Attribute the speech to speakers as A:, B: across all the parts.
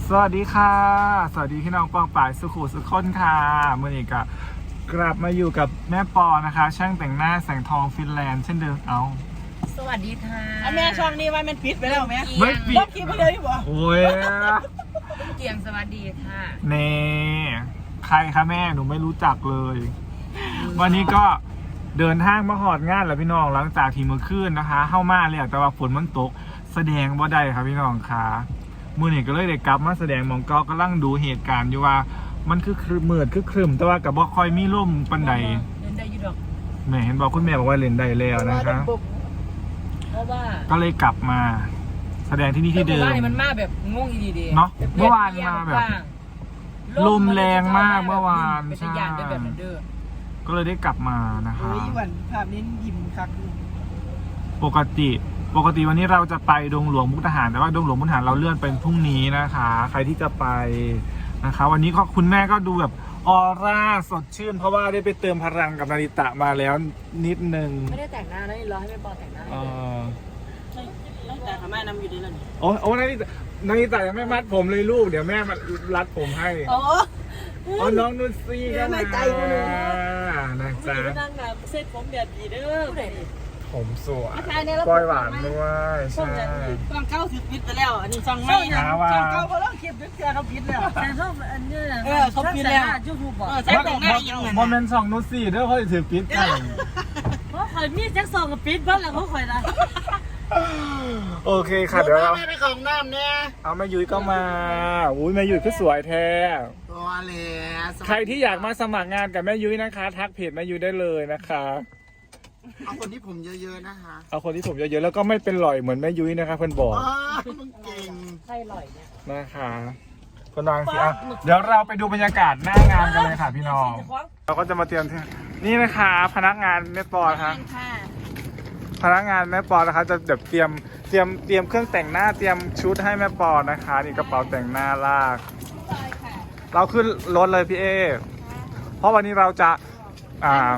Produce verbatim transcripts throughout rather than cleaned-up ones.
A: สวัสดีค่ะสวัสดีพี่น้องปองป่ายสุขุสุขคนค่ะเมื่อนี้ก็กลับมาอยู่กับแม่ปอนะคะช่างแต่งหน้าแสงทองฟินแลนด์เช่นเดิมเอา
B: สวัสดีค่ะ
C: อันแม่ช่องนี้ว่ามันปิดไปแล้วแม่
A: ไม่ปิด
C: คิดไปเลยบ่
A: โอ้ย
B: เกียงสวัสดีค่ะ
A: เน่ใครคะแม่หนูไม่รู้จักเลย วันนี้ก็เดินทางมาหอดงานแล้วพี่น้องหลังจากที่เมื่อคืนนะคะเข้ามาเลยแต่ว่าฝนมันตกแสดงว่าได้ครับพี่น้องค่ะมือนี่ก็เลยได้กลับมาแสดงมองก็กำลังดูเหตุการณ์อยู่ว่ามันคือคือมืดคือครึมแต่ว่ากับบ่คอยมีร่มปันใด
B: เล่นได้ยุดอก
A: แม่เห็นบอกคุณแม่บอกว่าเล่นได้แล้วนะคะ
B: เพราะว่า
A: ก็เลยกลับมาแสดงที่นี่ที่เดิม
B: บ้านมันมาแบบงงอีดี
A: เนาะเมื่อวานมาแบบลมแรงมากเมื่อวาน
B: ใช่
A: ก็เลยได้กลับมานะคะ
C: เฮ้ยวันภาพนี้ยิ้มคัก
A: ปกติปกติวันนี้เราจะไปดงหลวงมุกดาหารแต่ว่าดงหลวงมุกดาหารเราเลื่อนเป็นพรุ่งนี้นะคะใครที่จะไปนะคะวันนี้ก็คุณแม่ก็ดูแบบออร่าสดชื่นเพราะว่าได้ไปเติมพลังกับนาริตะมาแล้วนิดนึง
B: ไม่ได้แต่งหน้านะรอให้แม่ปอแต่งหน้า
A: อ๋อ
C: ตั้งแต่ทำแม่นำอยู่ดีแล้วนี่
A: โอ้โอ้นาริตะนาริตะยังไม่มัดผมเลยลูกเดี๋ยวแม่มารัดผมให้
C: อ๋อ
A: อ๋อน้องนุชซี่ก็มา
C: ใจกูเลย
A: นะจ๊ะ
C: นั่งแบบเซ็ตผมแบบดีเด้อ
A: ผมสวยปล่อยหวานด้วยใช่
C: ช่องเก้าสิบปิดไปแล้วอันนี้ช่องไม่ช่องเก้าเขาเลิกคลิปเชื่อเขาปิดแล้ว
B: แต่ชอบอันนี้
C: เออเขาปิดแล้ว
B: ยูทูบบอก
C: ใช่แต่งหน้ายังไง
A: โมเมนต์สองนุชซี่เด้อเขาถือปิดกัน
B: เพราะคอยมีแจ็คสองกับปิดบ้านแล้วเขาคอยได้
A: โอเคค่ะเดี๋ยวเรา
C: ไปของน้ำเนี่ย
A: เอาแม่ยุ้ยก็มาอุ้ยแม่ยุ้ยก็สวยแท้
C: ตัวเลย
A: ใครที่อยากมาสมัครงานกับแม่ยุ้ยนะคะทักเพจแม่ยุ้ยได้เลยนะคะ
C: เอาคนที่ผมเยอะๆนะคะ
A: เอาคนที่ผมเยอะๆแล้วก็ไม่เป็นหล่อยเหมือนแม่ยุ้ยนะคะเพื่อนบอก
C: มึงเก่ง
B: ใครหล่อยเนี่ย
A: นะคะคนดังสิอ่ะเดี๋ยวเราไปดูบรรยากาศหน้างานกันเลยค่ะพี่น้องเราก็จะมาเตรียมนี่นะคะพนักงานแม่ปอนะคะพนักงานแม่ปอนะคะจะเดี๋ยวเตรียมเตรียมเตรียมเครื่องแต่งหน้าเตรียมชุดให้แม่ปอนะคะนี่กระเป๋าแต่งหน้าลากเราขึ้นรถเลยพี่เอเพราะวันนี้เราจะอ่า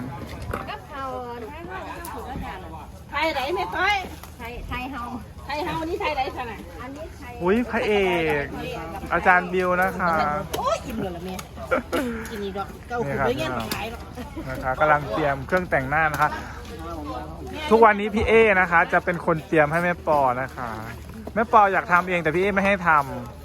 C: ไทยไหนไม่ต้อย
B: ไทยไทยเฮา
C: ไทยเฮานี่ไทยไหนขนาด
B: อันนี้ไทย
A: อุ้ยพระเอกอาจารย์บิวนะคะ
C: โอ้ยอิ่มเลยละเมียกินนี่ดอกเก้าขุนไปเงี้ยขายหรอก
A: นะคะกำลังเตรียมเครื่องแต่งหน้านะคะทุกวันนี้พี่เอนะคะจะเป็นคนเตรียมให้แม่ปอนะคะแม่ปออยากทำเองแต่พี่เอไม่ให้ท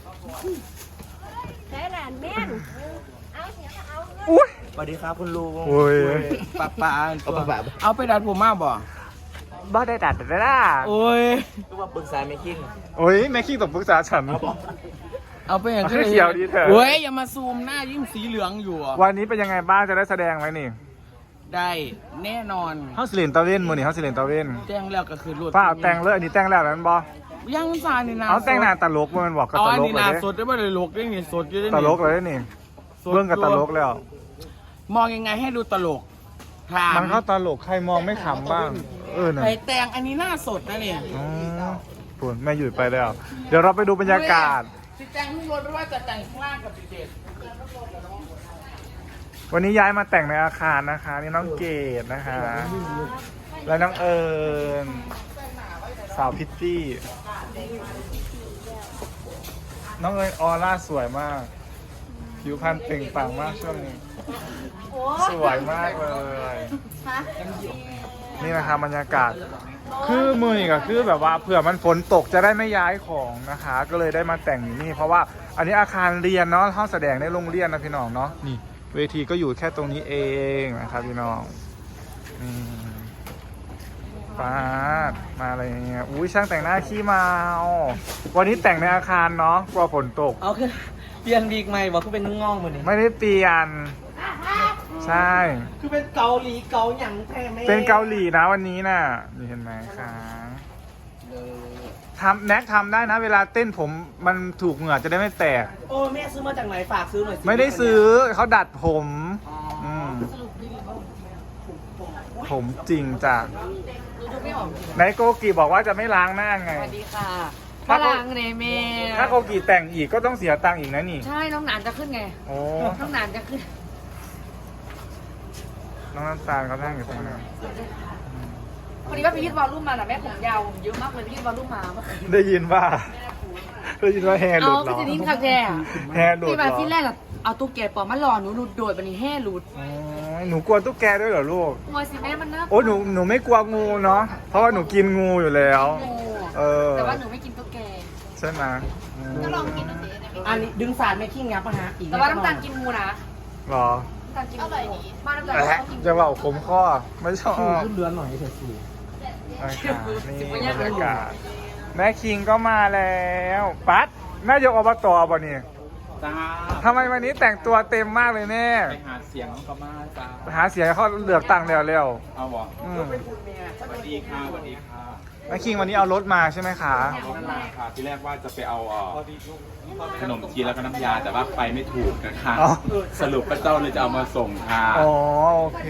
B: ำใช้หลานแม่เอาเสียเอา
A: อุ้ย
D: สวัสดีครับคุณลุง
A: อุ้ย
D: ป้าป้าเอาป้าเอาไปดัดผมมาบ่
A: บ้าได้ดัดได้ล่ะ
D: โอ้ยคือว่าปรึกษาแม่คิง
A: โอ้ยแม่คิงต้องปรึกษาฉัน
D: เอาไปอย่าง
A: ที่เขียวดีเถอะ
D: โอ้ยอย่ามาซูมหน้ายิ่งสีเหลืองอยู่
A: วันนี้เป็นยังไงบ้างจะได้แสดงไหมนี่
D: ได้แน่นอน
A: เฮาสิเลนตะเวนมือนี่เฮาสิเลนตะเวน
D: แต่งแล้วก็คือรวด
A: ป้าแต่งเลยอันนี้แต่งแล้วนั้นบอ
D: ยังซานี่นะ
A: เอาแต่งหน้าตลกมันบอกกับตลกเลย
D: นี่นาสดได้บ่ได้ลกได้นี่สดอยู่ได้นี่
A: ตลกเลยนี่เบื้องกับตลกแล้ว
D: มองยังไงให้ดูตลก
A: มันก็ตลกใครมองไม่ขำบ้างเออ
D: ไอแต่งอันนี้หน้าสดนะเนี่ย
A: อ๋อปวดแม่หยุดไปแล้วเดี๋ยวเราไปดูบรรยากาศ
D: แต่งข้างบนไม่ว่าจะแต่งข้างล่างกับเด็ก
A: วันนี้ย้ายมาแต่งในอาคารนะคะนี่น้องเกดนะคะและน้องเอิญสาวพิตตี้น้องเอิญออร่าสวยมากผิวพรรณเปล่งปลั่งมากช่วงนี้สวยมากเลยนี่นะคะบรรยากาศคือมือก็คือแบบว่าเผื่อมันฝนตกจะได้ไม่ย้ายของนะคะก็เลยได้มาแต่งอยู่นี่เพราะว่าอันนี้อาคารเรียนเนาะห้องแสดงในโรงเรียนนะพี่น้องเนาะนี่เวทีก็อยู่แค่ตรงนี้เองนะครับพี่น้องนี่ป้ามาอะไรเงี้ยอุ้ยช่างแต่งหน้าขี้เมาวันนี้แต่งในอาคารเนาะกลัวฝนตก
D: เอาคือเปลี่ยนวีกใหม่บอกคือเป็นง่องเหมือนนี้
A: ไม่ได้เปลี่ยนใช่
D: คือเป็นเกาหลีเกาหยังแท้ไหม
A: เป็นเกาหลีนะวันนี้น่ะนี่เห็นไหมคะทำแน็กทำได้นะเวลาเต้นผมมันถูกเหงื่อจะได้ไม่แตก
D: โอ้แม่ซื้อมาจากไหนฝากซื้อหน่อย
A: ไม่ได้ซื้อเขาดัดผมผมจริงจ้ะไหนโกกีบอกว่าจะไม่ล้างหน้าไง
B: สวัสดีค่ะถ้าล้างเนเม
A: ถ้าโกกีแต่งอีกก็ต้องเสียตังค์อีกนะนี่
B: ใช่น้องหนานจะขึ้นไง
A: โอ้
B: น้องหนานจะขึ้น
A: น้องน้ำตาลเขานั่งอยู่ตรงนั้น
B: วันนี้ว่าไปยืดวอลลุ่มมาแหละแม่ผมยาวเยอะมากเลยไปยืดวอลลุ่มมา
A: ได้ยินว่าได้ยินว่าแฮร์หลุ
C: เอา
A: ดเหร
C: พี่
A: อ
C: จะนิ่งคักแท้อะ
A: แฮร์หลุด
C: พี่
A: เหร
C: มา
A: อ
C: ที่แรกอะเอาตุ๊กแกปลอมมาหล่อหนูหลุดโดดบันนี้แห่หลุด
A: อ๋อหนูกลัวตุ๊กแกด้วยเหรอลูก
C: กลัวสิแม่มันน่า
A: โอ้หนูหนูไม่กลัวงูเนาะเพราะว่าหนูกินงูอยู่แล้ว
C: โง่
A: เออ
C: แต่ว่าหนูไม่กินตุ๊กแก
A: ใช่ไหม
C: ก็ลองกินดูสิ
D: อันนี้ดึงสารไม่ขี้งับปะฮะอีก
C: แต่ว่าน้ำตาลกินงูนะ
A: หรอ
C: น้ำตาลกินงูบ้านน้ำตาล
A: แอะ
C: เขากิน
A: จะว่าผมข้อไม่ชอบ
D: สูขึ้นเรือนหน่อยเถอะสู
A: นะคะนี่บรรยากาศแม่คิงก็มาแล้วปัดแม่ยกอบตบ่นี่
E: จ้า
A: ทำไมวันนี้แต่งตัวเต็มมากเลยแม่
E: ไปหาเสียงก็มาจ้า
A: หาเสียงให้เขาเลือกตั้งแล้วเร็ว
E: เอาบ่
A: อืม
E: สวัสดีค่ะสวัสดีค่ะ
A: แม่คิงวันนี้เอารถมาใช่ไหมคะ
E: รถมาค่ะที่แรกว่าจะไปเอาเอ่อขนมจีนแล้วก็น้ำยาแต่ว่าไปไม่ถูกนะคะ
A: อ๋อ
E: สรุปพระเจ้าเลยจะเอามาส่งค่ะ
A: อ๋อโอเค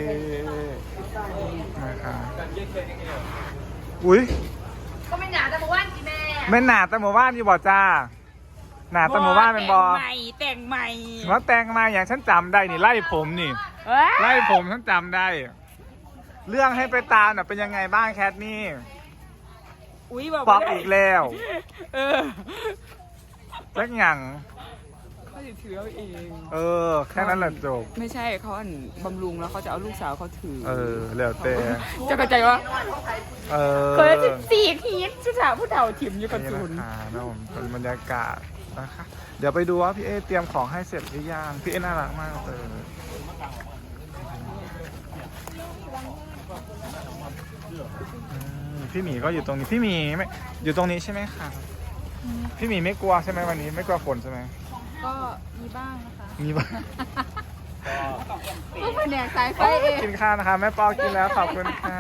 A: นะคะอุ้ย
C: ก็ไม่หนาแต่มาว่านกี่แม่
A: แม่นหนาแต่หมู่บ้านอยู่บ่จ้าหนาแต่หมู่บ้านเป็นบ่
C: แต่งใหม่แต่งใหม่
A: ว่าแต่งมาอย่างฉันจำได้นี่ไล่ผมนี่
C: เอ้ย
A: ไล่ผมฉันจำได้ เรื่องให้ไปตามน่ะเป็นยังไงบ้างแคทนี่
C: อุ้ยบอก
A: ปอบอีกแล้ว
C: เออ
A: สักอย่าง
F: เขาจะถือเอาเอง
A: เออ แค่นั้นแหละจบ
F: ไม่ใช่เขาอันบำรุงแล้วเขาจะเอาลูกสาวเขาถือ
A: เออแล้วแต่
F: จะเข้าใจว่า
A: เออ
F: เคยสิบสี่ทีชุดสาวผู้เฒ่าถิ่มอยู่กับ
A: นี่
F: ศูน
A: นะ
F: ย์
A: คะนะผมเป็นบรรยากาศนะคะ เดี๋ยวไปดูว่าพี่เอเตรียมของให้เสร็จหรือยังพี่เอน่ารักมากเลยอืมพี่หมีก็อยู่ตรงนี้พี่หมีไม่อยู่ตรงนี้ใช่ไหมคะพี่หมีไม่กลัวใช่ไหมวันนี้ไม่กลัวฝนใช่ไหม
F: ก็มีบ้างนะคะ
A: มีบ้าง
F: ก็แผนกสายไฟเอง
A: กินข้าวนะคะแม่ปอกินแล้วขอบคุณค่ะ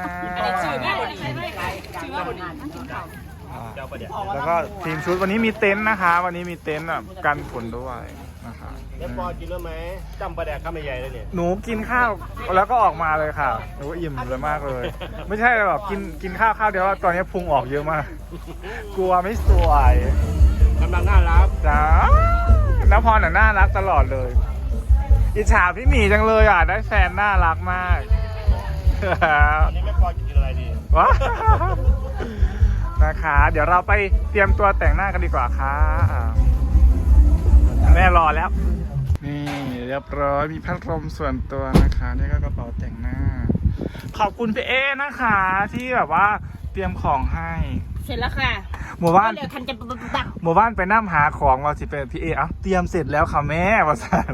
A: แล้วก็ทีมชุดวันนี้มีเต็นท์นะคะ วันนี้มีเต็นท์แบบกันฝนด้วยนะคะ
G: แม่ปอกินแล้วไหมจำปลาแดกข้ามใหญ่เลยเนี่ย
A: หนูกินข้าวแล้วก็ออกมาเลยค่ะหนูอิ่มเลยมากเลย ไม่ใช่แบบกินกินข้าวข้าวเดียวแล้วตอนนี้พุงออกเยอะมาก กลัวไม่สวย
G: กำลังน่ารัก
A: จ้าน้าพรน่ะน่ารักตลอดเลยอิจฉาพี่หมีจังเลยอ่ะได้แฟนน่ารักมาก
G: ตอนนี้แม่ปอกินอะไรดี
A: ว้าวนะคะ เดี๋ยวเราไปเตรียมตัวแต่งหน้ากันดีกว่าค่ะแม่รอแล้ว นี่เรียบร้อยมีพัดลมส่วนตัวนะคะนี่ก็กระเป๋าแต่งหน้า ขอบคุณพี่เอนะคะ ที่แบบว่าเตรียมของให้
C: เสร็จแล้วค่ะ
A: หมู่บ้าน
C: เหลือคันจะปัก
A: หมู่บ้านไปนั่งหาของเราสิเป็นพี่เอเอ้าเตรียมเสร็จแล้วค่ะแม่ประสาน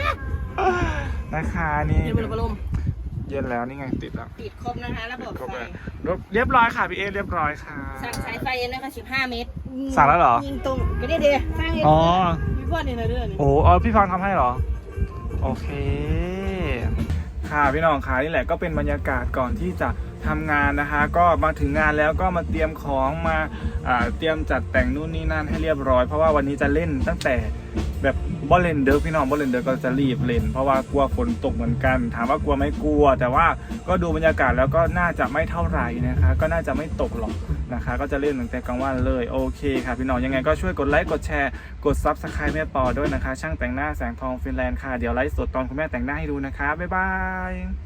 A: นะคะนี่
C: เดี๋ยวมันลม
A: เย็นแล้วนี่ไงติดแล้ว
C: ปิดครบนะคะระบบ
A: ครบ
C: ไฟ
A: แล้วเรียบร้อยค่ะพี่เอเรียบร้อยค่ะ
C: สั่งสายไฟนะคะสิบห้าเมตร
A: สั่งแล้วเหรอ
C: ยิงตรงก็ได้เดียสร้างเอง
A: อ๋อ
C: มีพ่อเนี่ยนะเรื่องนี้
A: โอ้เออพี่พรทำให้เหรอ โอเค ค่ะพี่น้องค่ะนี่แหละก็เป็นบรรยากาศก่อนที่จะทำงานนะคะ ก็มาถึงงานแล้วก็มาเตรียมของมาอ่าเตรียมจัดแต่งนู่นนี่นั่นให้เรียบร้อยเพราะว่าวันนี้จะเล่นตั้งแต่แบบบอลเลนเดอร์พี่น้องบอลเลนเดอร์ก็จะรีบเล่น เพราะว่ากลัวฝนตกเหมือนกัน ถามว่ากลัวไหม่กลัว แต่ว่าก็ดูบรรยากาศแล้วก็น่าจะไม่เท่าไหร่นะคะ ก็น่าจะไม่ตกหรอกนะคะ ก็จะเล่นตั้งแต่กลางวันเลยโอเคค่ะพี่น้องยังไงก็ช่วยกดไลค์กดแชร์กดซับสไครป์แม่ปอด้วยนะคะ ช่างแต่งหน้าแสงทองฟินแลนด์ค่ะเดี๋ยวไลฟ์สดตอนคุณแม่แต่งหน้าให้ดูนะคะบ๊ายบาย